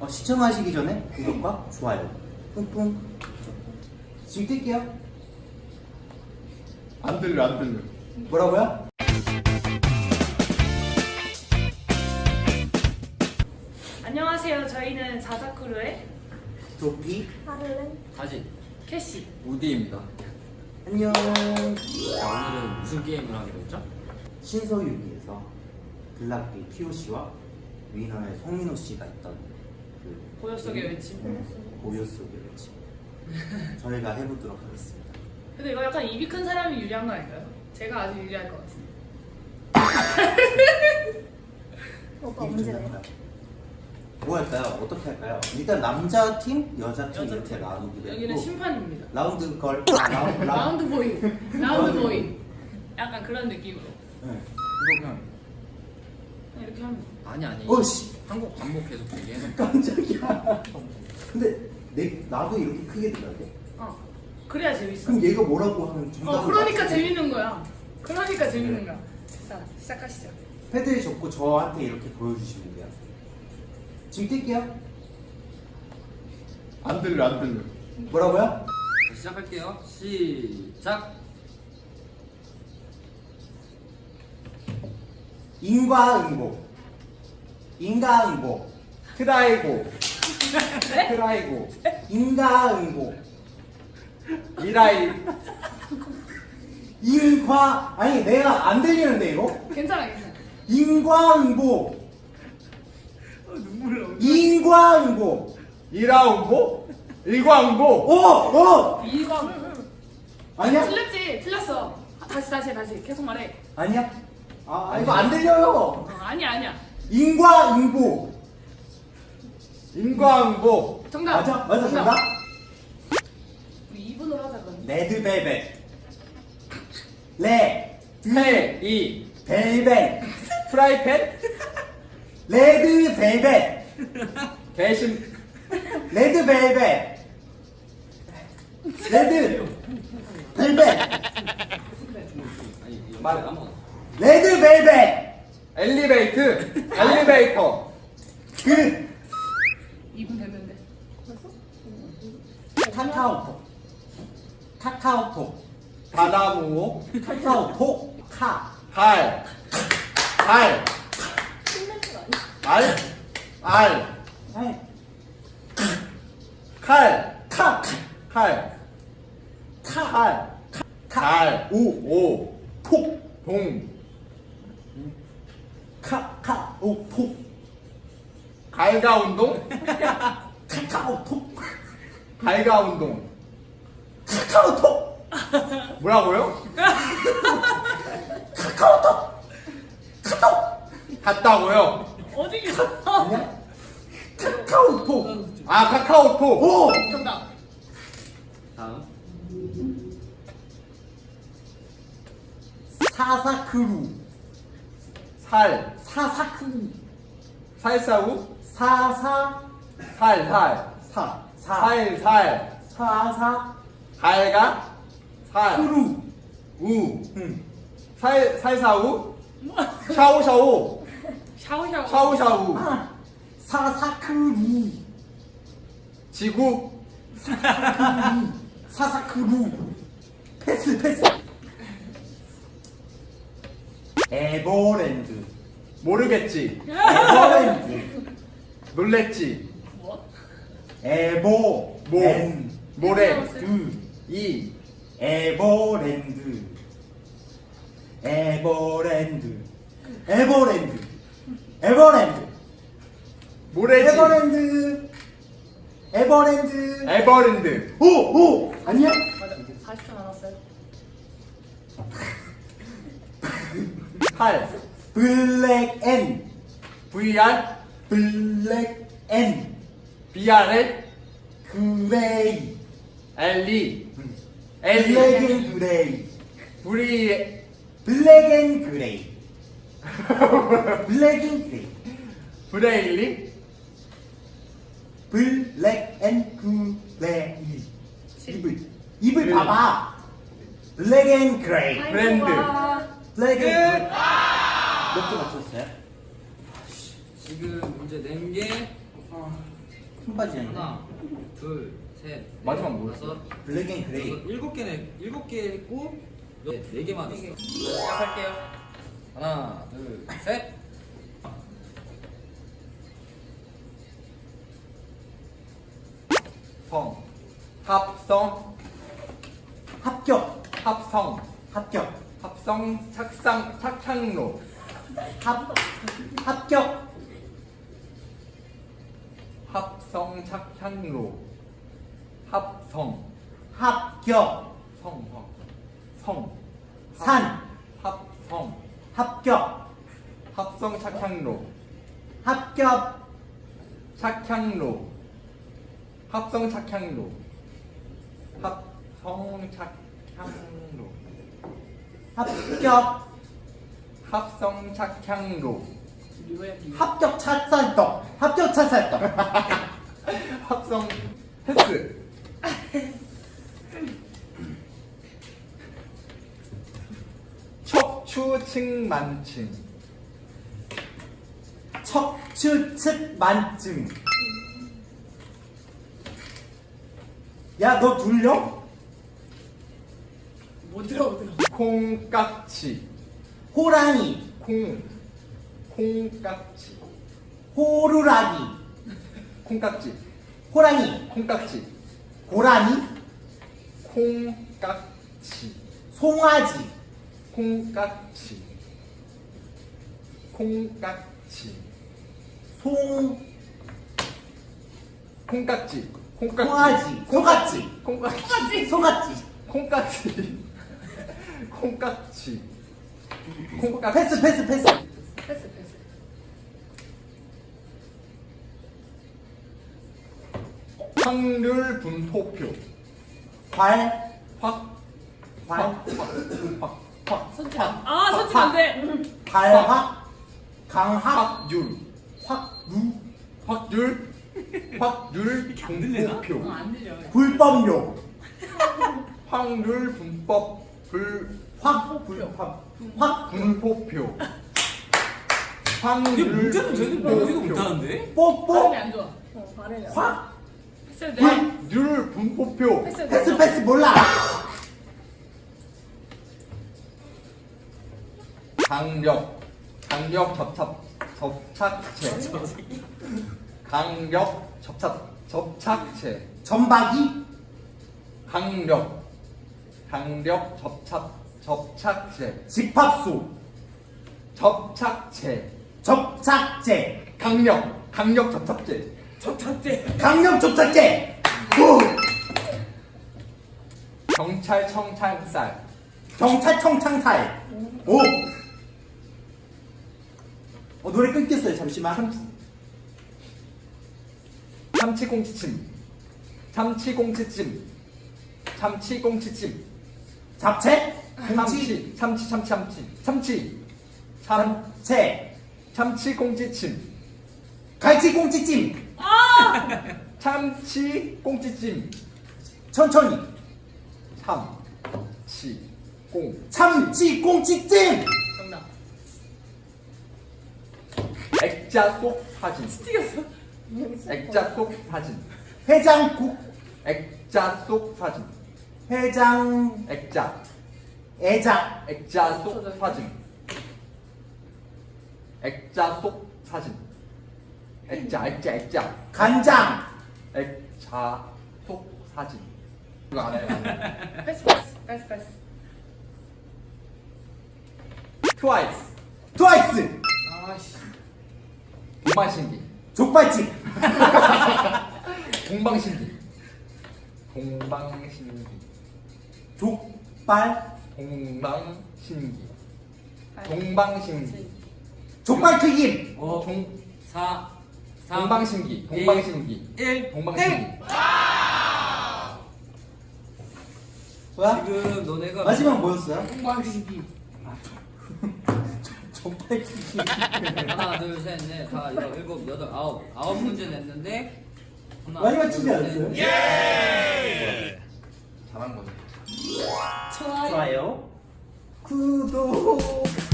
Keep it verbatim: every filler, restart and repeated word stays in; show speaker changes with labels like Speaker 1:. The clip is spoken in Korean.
Speaker 1: 어, 시청하시기 전에 구독과 좋아요 뿡뿡. 지금 뛸게요.
Speaker 2: 안 들려 안 들려.
Speaker 1: 뭐라고요?
Speaker 3: 안녕하세요. 저희는 자사크루의
Speaker 1: 도피
Speaker 4: 하를렌
Speaker 5: 다시
Speaker 3: 캐시.
Speaker 5: 우디입니다.
Speaker 1: 안녕.
Speaker 5: 자, 오늘은 무슨 게임을 하기로 했죠?
Speaker 1: 신서유기에서 블락비 피오씨와 위너의 송민호 씨가 있던 그
Speaker 3: 고요 속의 외침.
Speaker 1: 고요 속의 외침 저희가 해보도록 하겠습니다.
Speaker 3: 근데 이거 약간 입이 큰 사람이 유리한 거 아닌가요? 제가 아주 유리할 것 같은데.
Speaker 4: 오빠
Speaker 1: 이게
Speaker 4: 문제
Speaker 1: 좀
Speaker 4: 내요.
Speaker 1: 약간 뭐 할까요? 어떻게 할까요? 일단 남자 팀, 여자 팀
Speaker 3: 여자
Speaker 1: 이렇게
Speaker 3: 팀.
Speaker 1: 나누기로
Speaker 3: 여기는
Speaker 1: 했고
Speaker 3: 심판입니다.
Speaker 1: 라운드 걸 아, 라운드, 라운드.
Speaker 3: 라운드 보이. 라운드 보이. 약간 그런 느낌으로.
Speaker 1: 네.
Speaker 5: 이거 그냥
Speaker 3: 그냥 이렇게 하면.
Speaker 5: 아니 아니.
Speaker 1: 어씨
Speaker 5: 한국 반복 계속 얘기해서
Speaker 1: 깜짝이야. 근데 내 나도 이렇게 크게 들어야 돼?
Speaker 3: 어. 그래야 재밌어.
Speaker 1: 그럼 얘가 뭐라고 하면 정답을
Speaker 3: 어, 그러니까
Speaker 1: 맞추고.
Speaker 3: 재밌는 거야. 그러니까 재밌는
Speaker 1: 네.
Speaker 3: 거야. 자, 시작하시죠.
Speaker 1: 패드를 접고 저한테 이렇게 보여주시면 돼요. 지금 뛸게요.
Speaker 2: 안 들려 안 들려.
Speaker 1: 뭐라고요?
Speaker 5: 자, 시작할게요. 시작.
Speaker 1: 인과응보. 인과응보.
Speaker 2: 트라이고
Speaker 3: 네?
Speaker 2: 트라이고
Speaker 1: 인과응보.
Speaker 2: 이라이
Speaker 1: 인과 아니 내가 안 들리는데 이거?
Speaker 3: 괜찮아, 괜찮아.
Speaker 1: 인과응보.
Speaker 3: 어, 눈물 나.
Speaker 1: 인과응보.
Speaker 2: 이라운보 일광보.
Speaker 1: 어! 어!
Speaker 3: 이거.
Speaker 1: 아니야?
Speaker 3: 틀렸지? 틀렸어. 다시, 다시, 다시. 계속 말해.
Speaker 1: 아니야? 아 이거 안 들려요.
Speaker 3: 어, 아니야, 아니야.
Speaker 1: 인과응보.
Speaker 2: 인광보.
Speaker 3: 정답.
Speaker 1: 맞아? 맞아 정답?
Speaker 3: 우리 이 분으로 하자, 그럼.
Speaker 1: 레드벨벳. 레.
Speaker 2: 페이
Speaker 1: 벨벳.
Speaker 2: 프라이팬
Speaker 1: 레드벨벳.
Speaker 2: 대신
Speaker 1: 레드벨벳. 레드. 벨벳.
Speaker 5: 아니 이거
Speaker 2: 말-
Speaker 5: 말 아무거나.
Speaker 1: 레드벨벳.
Speaker 2: 엘리베이트 엘리베이터
Speaker 1: 그
Speaker 3: 이 분 됐는데.
Speaker 1: 카카오톡. 카카오톡.
Speaker 2: 바나무
Speaker 1: 카카오톡. 카.
Speaker 2: 발 발
Speaker 4: 신냄새 아니야?
Speaker 2: 알 알
Speaker 1: 아이,
Speaker 2: 칼
Speaker 1: 카.
Speaker 2: 칼
Speaker 1: 카.
Speaker 2: 칼 달
Speaker 1: 오.
Speaker 2: 오
Speaker 1: 톡.
Speaker 2: 동
Speaker 1: 카카오톡.
Speaker 2: 갈가운동
Speaker 1: 카카오톡.
Speaker 2: 갈가운동
Speaker 1: 카카오톡.
Speaker 2: 뭐라고요?
Speaker 1: 카카오톡. 카톡.
Speaker 2: 갔다고요?
Speaker 3: 어디 가?
Speaker 1: 아니야? 카카오톡.
Speaker 2: 아 카카오톡
Speaker 1: 오.
Speaker 3: 정답.
Speaker 5: 다음.
Speaker 1: 사사크루.
Speaker 2: 살
Speaker 1: 사사크루.
Speaker 2: 살사우
Speaker 1: 사사.
Speaker 2: 살살
Speaker 1: 사. 사.
Speaker 2: 살살
Speaker 1: 사사.
Speaker 2: 갈가 살
Speaker 1: 크루.
Speaker 2: 우
Speaker 1: 응.
Speaker 2: 살 살사우 샤오샤오
Speaker 3: 샤오샤오.
Speaker 2: 샤오샤우
Speaker 1: 아. 사사크루.
Speaker 2: 지구
Speaker 1: 사사크루. 패스 패스. 에버랜드.
Speaker 2: 모르겠지
Speaker 1: 에버랜드.
Speaker 2: 놀랬지
Speaker 3: 뭐?
Speaker 1: 에버.
Speaker 2: 모
Speaker 1: 랜드.
Speaker 2: 모래
Speaker 1: 이. 에버랜드. 에버랜드. 에버랜드. 에버랜드.
Speaker 2: 모래지
Speaker 1: 에버랜드. 에버랜드.
Speaker 2: 에버랜드
Speaker 1: 오! 오! 아니야?
Speaker 3: 맞아. 사십 초 남았어요.
Speaker 2: 팔
Speaker 1: 블랙 앤.
Speaker 2: 브이알
Speaker 1: 블랙 앤.
Speaker 2: 비알엘
Speaker 1: 그레이.
Speaker 2: 엘리
Speaker 1: 블랙
Speaker 2: 엘리
Speaker 1: 앤 그레이.
Speaker 2: 브리
Speaker 1: 블랙 앤 그레이. 블랙 앤 그레이.
Speaker 2: 브레일리
Speaker 1: 블랙 앤 그레이.
Speaker 3: 칠.
Speaker 1: 입을. 입을
Speaker 2: 그-
Speaker 1: 봐봐. 블랙 앤 그레이.
Speaker 2: 브랜드.
Speaker 1: 블랙 앤 그레이. 몇 개 맞췄어요?
Speaker 5: 지금 문제 낸 게
Speaker 1: 힘 빠지네.
Speaker 5: 하나, 둘, 셋.
Speaker 2: 마지막
Speaker 5: 넷,
Speaker 2: 뭐였어?
Speaker 5: 다섯,
Speaker 1: 블랙 앤 그레이.
Speaker 5: 여섯, 일곱 개네. 일곱 개 했고 네, 네 개 맞았어. 시작할게요. 하나, 둘, 셋.
Speaker 2: 성 합성
Speaker 1: 합격.
Speaker 2: 합성
Speaker 1: 합격.
Speaker 2: 합성 착상 착향로
Speaker 1: 합 합격.
Speaker 2: 합성 착향로 합성
Speaker 1: 합격.
Speaker 2: 성성 성
Speaker 1: 산.
Speaker 2: 합성
Speaker 1: 합격.
Speaker 2: 합성 착향로
Speaker 1: 합격.
Speaker 2: 착향로 합성 착향로 합성 착향로
Speaker 1: 합격.
Speaker 2: 합성 착향로
Speaker 3: 리오야 리오.
Speaker 1: 합격 찹쌀떡. 합격 찹쌀떡.
Speaker 2: 합성 패스 척추측만층
Speaker 1: 척추측 만증. 야, 너 둘려?
Speaker 3: 못 들어 못 들어.
Speaker 2: 콩깍지
Speaker 1: 호랑이.
Speaker 2: 콩 콩깍지
Speaker 1: 호루라기.
Speaker 2: 콩깍지
Speaker 1: 호랑이.
Speaker 2: 콩깍지
Speaker 1: 고라니.
Speaker 2: 콩깍지
Speaker 1: 송아지.
Speaker 2: 콩깍지 콩깍지
Speaker 1: 송.
Speaker 2: 콩깍지 콩깍지
Speaker 1: 송아지. 소같지.
Speaker 2: 콩깍지
Speaker 1: 소같지.
Speaker 2: 콩깍지 콩깍지 콩깍지
Speaker 1: 패스, 패스, 패스.
Speaker 3: 패스 패스.
Speaker 2: 확률 분포표
Speaker 1: 괄.
Speaker 2: 확
Speaker 1: 괄.
Speaker 2: 확확확
Speaker 3: 선진 안. 아 선진 안 돼.
Speaker 1: 발확. 강학.
Speaker 2: 확률
Speaker 1: 확루.
Speaker 2: 확률 확률 분포표
Speaker 3: 어안 들려.
Speaker 1: 불법료.
Speaker 2: 확률 분법 불
Speaker 1: 확. 불법. 확.
Speaker 2: 분포표
Speaker 5: 이게
Speaker 2: 확률
Speaker 5: 문제는 쟤는 모르지도
Speaker 2: 분포표
Speaker 5: 못하는데?
Speaker 1: 뽀뽀.
Speaker 3: 발음이 안 좋아.
Speaker 4: 어, 발음이 안 돼.
Speaker 1: 확.
Speaker 3: 패스 돼.
Speaker 2: 확률 분포표
Speaker 3: 패스
Speaker 1: 패스,
Speaker 3: 돼.
Speaker 1: 패스 몰라.
Speaker 2: 강력 강력 접착 접착체 강력 접착 접착체
Speaker 1: 전박이.
Speaker 2: 강력 강력 접착 접착체
Speaker 1: 집합소.
Speaker 2: 접착체
Speaker 1: 접착제.
Speaker 2: 강력 강력 접착제
Speaker 3: 접착제.
Speaker 1: 강력 접착제. 오.
Speaker 2: 경찰청 찰쌀
Speaker 1: 경찰청 창살. 오. 어, 노래 끊겼어요. 잠시만.
Speaker 2: 참치꽁치찜 참치꽁치찜 참치꽁치찜
Speaker 1: 잡채. 김치.
Speaker 2: 참치 참치 참치 참치 참
Speaker 1: 잡채.
Speaker 2: 참치꽁치찜
Speaker 1: 갈치꽁치찜.
Speaker 2: 참치꽁치찜
Speaker 1: 천천히.
Speaker 2: 참치꽁
Speaker 1: 참치꽁치찜.
Speaker 3: 정답.
Speaker 2: 액자 속 사진
Speaker 3: 튀겼어.
Speaker 2: 액자 속 사진
Speaker 1: 해장국.
Speaker 2: 액자 속 사진
Speaker 1: 해장.
Speaker 2: 액자
Speaker 1: 애장.
Speaker 2: 액자 속 사진 액자 속 사진 액자 액자 액자
Speaker 1: 간장.
Speaker 2: 액자 속 사진 이거 안 해요
Speaker 3: 패스 패스 패스 패스.
Speaker 2: 트와이스
Speaker 1: 트와이스.
Speaker 3: 아씨.
Speaker 2: 동방신기
Speaker 1: 족발집.
Speaker 2: 동방신기 동방신기
Speaker 1: 족발.
Speaker 2: 동방신기 동방신기
Speaker 1: 족발튀김.
Speaker 5: 오,
Speaker 2: 동,
Speaker 5: 사, 삼,
Speaker 2: 동방신기 동방신기
Speaker 5: 일.
Speaker 2: 동방신기
Speaker 1: 뭐야?
Speaker 5: 지금 너네가
Speaker 1: 마지막 뭐였어요?
Speaker 3: 동방신기.
Speaker 1: 족발튀김.
Speaker 5: 하나, 둘, 셋, 넷, 다, 여섯, 일곱, 여덟, 아홉 아홉 문제 냈는데 하나,
Speaker 1: 마지막
Speaker 5: 둘,
Speaker 1: 치지
Speaker 5: 셋,
Speaker 1: 않았어요?
Speaker 5: 넷.
Speaker 2: 잘한 거네
Speaker 3: 좋아요.
Speaker 1: 좋아요. 구독.